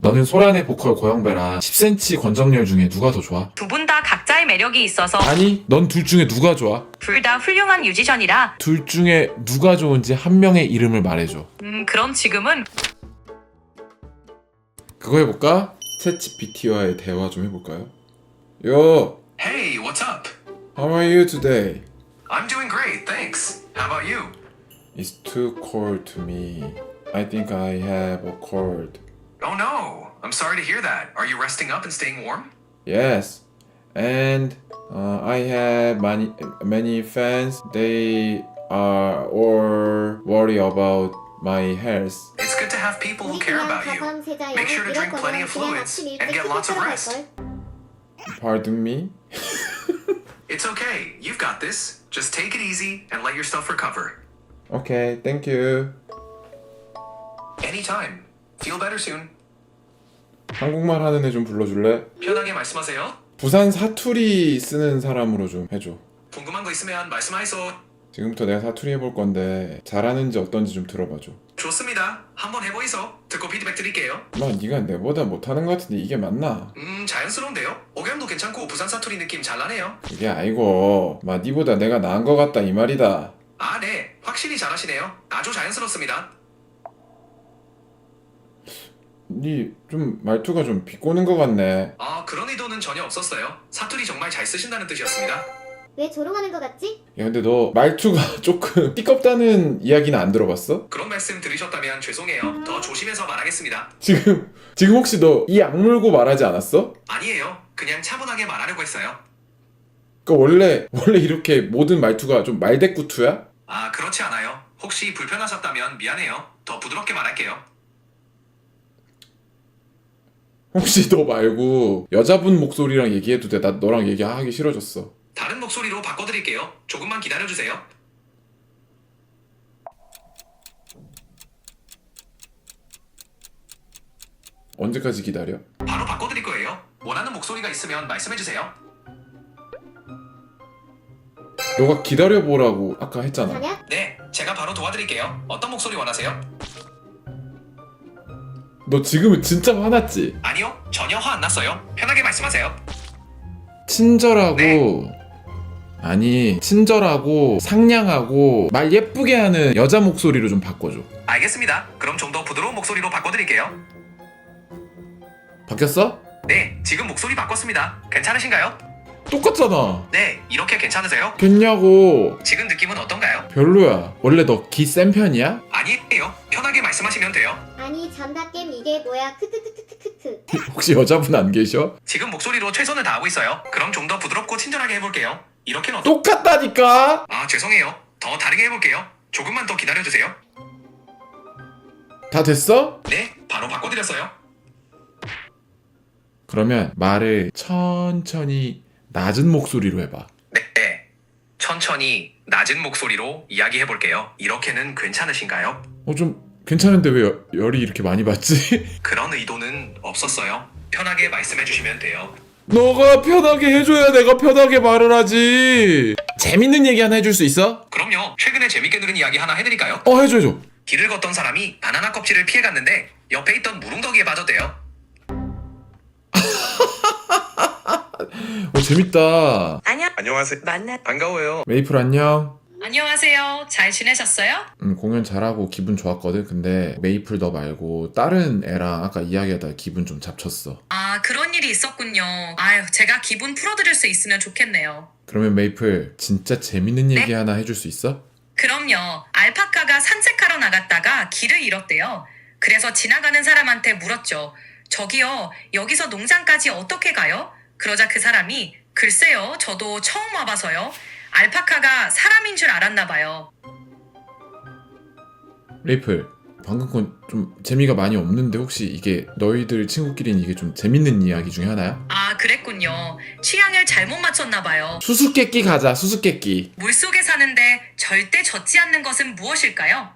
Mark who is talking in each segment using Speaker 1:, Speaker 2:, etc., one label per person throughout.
Speaker 1: 너는 소란의 보컬 고영배랑 10cm 권정열 중에 누가 더 좋아?
Speaker 2: 두 분 다 각자의 매력이 있어서
Speaker 1: 아니, 넌 둘 중에 누가 좋아?
Speaker 2: 둘 다 훌륭한 뮤지션이라.
Speaker 1: 둘 중에 누가 좋은지 한 명의 이름을 말해줘.
Speaker 2: 그럼 지금은
Speaker 1: 그거 해볼까? 챗GPT와의 대화 좀 해볼까요? Yo,
Speaker 3: Hey, what's up?
Speaker 1: how are you today?
Speaker 3: I'm doing great, thanks. How about you?
Speaker 1: It's too cold to me. I think I have a cold.
Speaker 3: Oh no, I'm sorry to hear that. Are you resting up and staying warm?
Speaker 1: Yes, and I have many fans. They are all worried about my health.
Speaker 3: It's good to have people who care about you. Make sure to drink plenty of fluids and get lots of rest.
Speaker 1: Pardon me?
Speaker 3: It's okay, you've got this. Just take it easy and let yourself recover.
Speaker 1: Okay, thank you.
Speaker 3: Anytime. Feel better soon.
Speaker 1: 한국말 하는 애 좀 불러줄래?
Speaker 3: 편하게 말씀하세요.
Speaker 1: 부산 사투리 쓰는 사람으로 좀 해줘.
Speaker 3: 궁금한 거 있으면 말씀하이소.
Speaker 1: 지금부터 내가 사투리 해볼 건데 잘하는지 어떤지 좀 들어봐줘.
Speaker 3: 좋습니다. 한번 해보이소. 듣고 피드백 드릴게요.
Speaker 1: 마, 네가 내보다 못하는 것 같은데 이게 맞나?
Speaker 3: 자연스러운데요? 억양도 괜찮고 부산 사투리 느낌 잘 나네요.
Speaker 1: 그게 아니고 마, 니보다 내가 나은 것 같다 이 말이다.
Speaker 3: 아, 네. 확실히 잘하시네요. 아주 자연스럽습니다.
Speaker 1: 니 좀 말투가 좀 비꼬는 것 같네.
Speaker 3: 아, 그런 의도는 전혀 없었어요. 사투리 정말 잘 쓰신다는 뜻이었습니다.
Speaker 4: 왜 조롱하는 거 같지?
Speaker 1: 야, 근데 너 말투가 조금 띠껍다는 이야기는 안 들어봤어?
Speaker 3: 그런 말씀 들으셨다면 죄송해요. 더 조심해서 말하겠습니다.
Speaker 1: 지금 혹시 너 이 악물고 말하지 않았어?
Speaker 3: 아니에요. 그냥 차분하게 말하려고 했어요.
Speaker 1: 그러니까 원래 이렇게 모든 말투가 좀 말대꾸투야?
Speaker 3: 아, 그렇지 않아요. 혹시 불편하셨다면 미안해요. 더 부드럽게 말할게요.
Speaker 1: 혹시 너 말고 여자분 목소리랑 얘기해도 돼? 나 너랑 얘기하기 싫어졌어.
Speaker 3: 다른 목소리로 바꿔드릴게요. 조금만 기다려주세요.
Speaker 1: 언제까지 기다려?
Speaker 3: 바로 바꿔드릴 거예요. 원하는 목소리가 있으면 말씀해주세요.
Speaker 1: 너가 기다려보라고 아까 했잖아.
Speaker 4: 자냐?
Speaker 3: 네, 제가 바로 도와드릴게요. 어떤 목소리 원하세요?
Speaker 1: 너 지금은 진짜 화났지?
Speaker 3: 아니요, 전혀 화 안 났어요. 편하게 말씀하세요.
Speaker 1: 친절하고
Speaker 3: 네.
Speaker 1: 아니 친절하고 상냥하고 말 예쁘게 하는 여자 목소리로 좀 바꿔줘.
Speaker 3: 알겠습니다. 그럼 좀 더 부드러운 목소리로 바꿔드릴게요.
Speaker 1: 바뀌었어?
Speaker 3: 네, 지금 목소리 바꿨습니다. 괜찮으신가요?
Speaker 1: 똑같잖아.
Speaker 3: 네, 이렇게 괜찮으세요?
Speaker 1: 겠냐고.
Speaker 3: 지금 느낌은 어떤가요?
Speaker 1: 별로야. 원래 너 기 센 편이야?
Speaker 3: 아니에요. 편하게 말씀하시면 돼요.
Speaker 4: 아니 잔다겜 이게 뭐야 크크크크크크크.
Speaker 1: 혹시 여자분 안 계셔?
Speaker 3: 지금 목소리로 최선을 다하고 있어요. 그럼 좀 더 부드럽고 친절하게 해볼게요. 이렇게는
Speaker 1: 똑같다니까.
Speaker 3: 아, 죄송해요. 더 다르게 해볼게요. 조금만 더 기다려주세요.
Speaker 1: 다 됐어?
Speaker 3: 네, 바로 바꿔드렸어요.
Speaker 1: 그러면 말을 천천히 낮은 목소리로 해봐.
Speaker 3: 네, 천천히 낮은 목소리로 이야기해볼게요. 이렇게는 괜찮으신가요?
Speaker 1: 좀 괜찮은데 왜 열이 이렇게 많이 받지?
Speaker 3: 그런 의도는 없었어요. 편하게 말씀해주시면 돼요.
Speaker 1: 너가 편하게 해줘야 내가 편하게 말을 하지. 재밌는 얘기 하나 해줄 수 있어?
Speaker 3: 그럼요. 최근에 재밌게 들은 이야기 하나 해드릴까요?
Speaker 1: 해줘.
Speaker 3: 길을 걷던 사람이 바나나 껍질을 피해갔는데 옆에 있던 무릉덕이에 빠졌대요.
Speaker 1: 재밌다.
Speaker 3: 안녕하세요. 반가워요.
Speaker 1: 메이플 안녕.
Speaker 2: 안녕하세요. 잘 지내셨어요?
Speaker 1: 공연 잘하고 기분 좋았거든. 근데 메이플 너 말고 다른 애랑 아까 이야기하다가 기분 좀 잡쳤어.
Speaker 2: 아, 그런 일이 있었군요. 아유, 제가 기분 풀어드릴 수 있으면 좋겠네요.
Speaker 1: 그러면 메이플 진짜 재밌는 얘기 하나 해줄 수 있어?
Speaker 2: 그럼요. 알파카가 산책하러 나갔다가 길을 잃었대요. 그래서 지나가는 사람한테 물었죠. 저기요, 여기서 농장까지 어떻게 가요? 그러자 그 사람이 글쎄요, 저도 처음 와봐서요. 알파카가 사람인 줄 알았나 봐요.
Speaker 1: 메이플 방금 건 좀 재미가 많이 없는데 혹시 이게 너희들 친구끼리는 이게 좀 재밌는 이야기 중에 하나야?
Speaker 2: 아, 그랬군요. 취향을 잘못 맞췄나 봐요.
Speaker 1: 수수께끼 가자. 수수께끼.
Speaker 2: 물속에 사는데 절대 젖지 않는 것은 무엇일까요?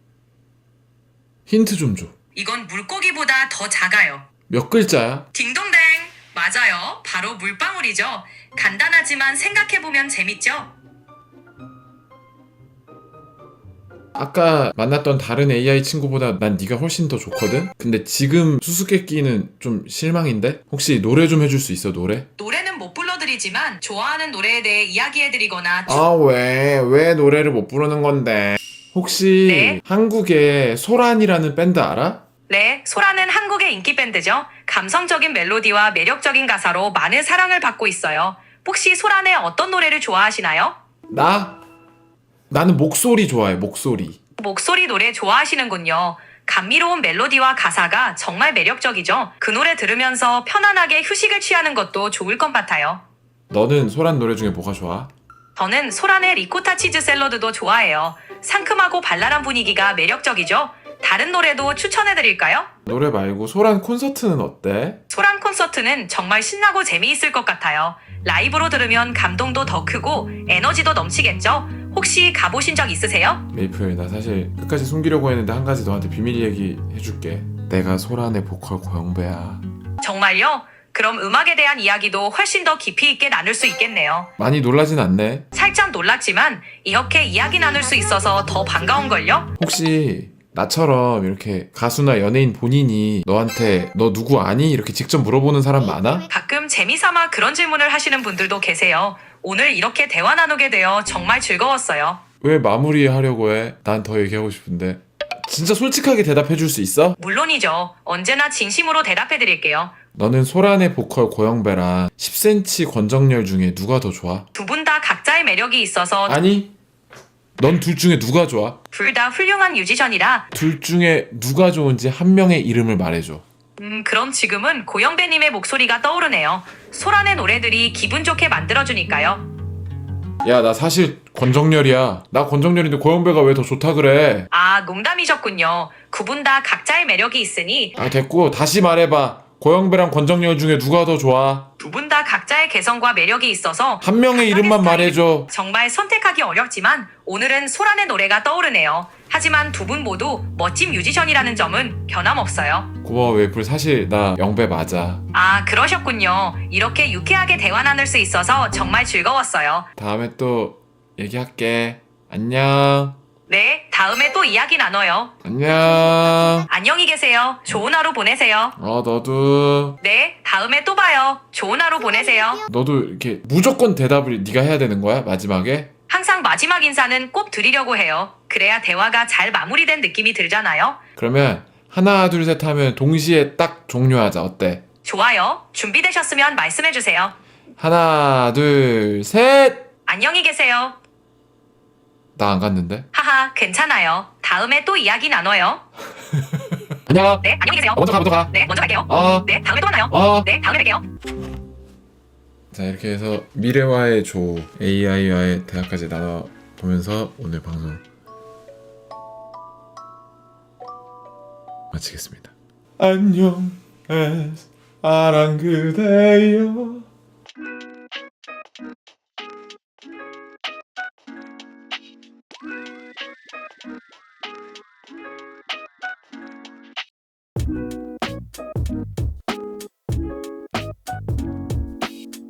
Speaker 1: 힌트 좀 줘.
Speaker 2: 이건 물고기보다 더 작아요.
Speaker 1: 몇 글자야?
Speaker 2: 딩동댕! 맞아요. 바로 물방울이죠. 간단하지만 생각해보면 재밌죠?
Speaker 1: 아까 만났던 다른 AI 친구보다 난 네가 훨씬 더 좋거든? 근데 지금 수수께끼는 좀 실망인데? 혹시 노래 좀 해줄 수 있어, 노래?
Speaker 2: 노래는 못 불러드리지만 좋아하는 노래에 대해 이야기해드리거나
Speaker 1: 아, 왜 노래를 못 부르는 건데? 혹시
Speaker 2: 네?
Speaker 1: 한국에 소란이라는 밴드 알아?
Speaker 2: 네, 소라는 한국의 인기 밴드죠. 감성적인 멜로디와 매력적인 가사로 많은 사랑을 받고 있어요. 혹시 소란의 어떤 노래를 좋아하시나요?
Speaker 1: 나는 목소리 좋아해, 목소리.
Speaker 2: 목소리 노래 좋아하시는군요. 감미로운 멜로디와 가사가 정말 매력적이죠. 그 노래 들으면서 편안하게 휴식을 취하는 것도 좋을 것 같아요.
Speaker 1: 너는 소란 노래 중에 뭐가 좋아?
Speaker 2: 저는 소란의 리코타 치즈 샐러드도 좋아해요. 상큼하고 발랄한 분위기가 매력적이죠. 다른 노래도 추천해드릴까요?
Speaker 1: 노래 말고 소란 콘서트는 어때?
Speaker 2: 소란 콘서트는 정말 신나고 재미있을 것 같아요. 라이브로 들으면 감동도 더 크고 에너지도 넘치겠죠? 혹시 가보신 적 있으세요?
Speaker 1: 메이플, 나 사실 끝까지 숨기려고 했는데 한 가지 너한테 비밀 얘기 해줄게. 내가 소란의 보컬 고영배야.
Speaker 2: 정말요? 그럼 음악에 대한 이야기도 훨씬 더 깊이 있게 나눌 수 있겠네요.
Speaker 1: 많이 놀라진 않네.
Speaker 2: 살짝 놀랐지만 이렇게 이야기 나눌 수 있어서 더 반가운걸요?
Speaker 1: 혹시 나처럼 이렇게 가수나 연예인 본인이 너한테 너 누구 아니? 이렇게 직접 물어보는 사람 많아?
Speaker 2: 가끔 재미삼아 그런 질문을 하시는 분들도 계세요. 오늘 이렇게 대화 나누게 되어 정말 즐거웠어요.
Speaker 1: 왜 마무리하려고 해? 난 더 얘기하고 싶은데. 진짜 솔직하게 대답해 줄 수 있어?
Speaker 2: 물론이죠. 언제나 진심으로 대답해 드릴게요.
Speaker 1: 너는 소란의 보컬 고영배랑 10cm 권정열 중에 누가 더 좋아?
Speaker 2: 두 분 다 각자의 매력이 있어서
Speaker 1: 아니, 넌 둘 중에 누가 좋아?
Speaker 2: 둘 다 훌륭한 뮤지션이라
Speaker 1: 둘 중에 누가 좋은지 한 명의 이름을 말해줘.
Speaker 2: 그럼 지금은 고영배님의 목소리가 떠오르네요. 소란의 노래들이 기분 좋게 만들어주니까요.
Speaker 1: 야, 나 사실 권정열이야. 나 권정열인데 고영배가 왜 더 좋다 그래?
Speaker 2: 아, 농담이셨군요. 두 분 다 각자의 매력이 있으니
Speaker 1: 아, 됐고 다시 말해봐. 고영배랑 권정열 중에 누가 더 좋아?
Speaker 2: 두 분 다 각자의 개성과 매력이 있어서
Speaker 1: 한 명의 이름만 말해줘.
Speaker 2: 정말 선택하기 어렵지만 오늘은 소란의 노래가 떠오르네요. 하지만 두 분 모두 멋진 뮤지션이라는 점은 변함없어요.
Speaker 1: 고마워, 웨이플. 사실 나 영배 맞아.
Speaker 2: 아, 그러셨군요. 이렇게 유쾌하게 대화 나눌 수 있어서 정말 즐거웠어요.
Speaker 1: 다음에 또 얘기할게. 안녕.
Speaker 2: 네, 다음에 또 이야기 나눠요.
Speaker 1: 안녕.
Speaker 2: 안녕히 계세요. 좋은 하루 보내세요.
Speaker 1: 너도.
Speaker 2: 네, 다음에 또 봐요. 좋은 하루 보내세요.
Speaker 1: 너도 이렇게 무조건 대답을 네가 해야 되는 거야? 마지막에?
Speaker 2: 항상 마지막 인사는 꼭 드리려고 해요. 그래야 대화가 잘 마무리된 느낌이 들잖아요.
Speaker 1: 그러면 하나, 둘, 셋 하면 동시에 딱 종료하자. 어때?
Speaker 2: 좋아요. 준비되셨으면 말씀해주세요.
Speaker 1: 하나, 둘, 셋!
Speaker 2: 안녕히 계세요.
Speaker 1: 나 안 갔는데?
Speaker 2: 하하, 괜찮아요. 다음에 또 이야기 나눠요.
Speaker 1: 안녕.
Speaker 2: 네, 안녕히 계세요.
Speaker 1: 먼저 가.
Speaker 2: 네, 먼저 갈게요. 네, 다음에 또 만나요. 네, 다음에 뵐게요.
Speaker 1: 자, 이렇게 해서 미래와의 조, AI와의 대화까지 나눠보면서 오늘 방송 마치겠습니다. 안녕, 사랑 그대여.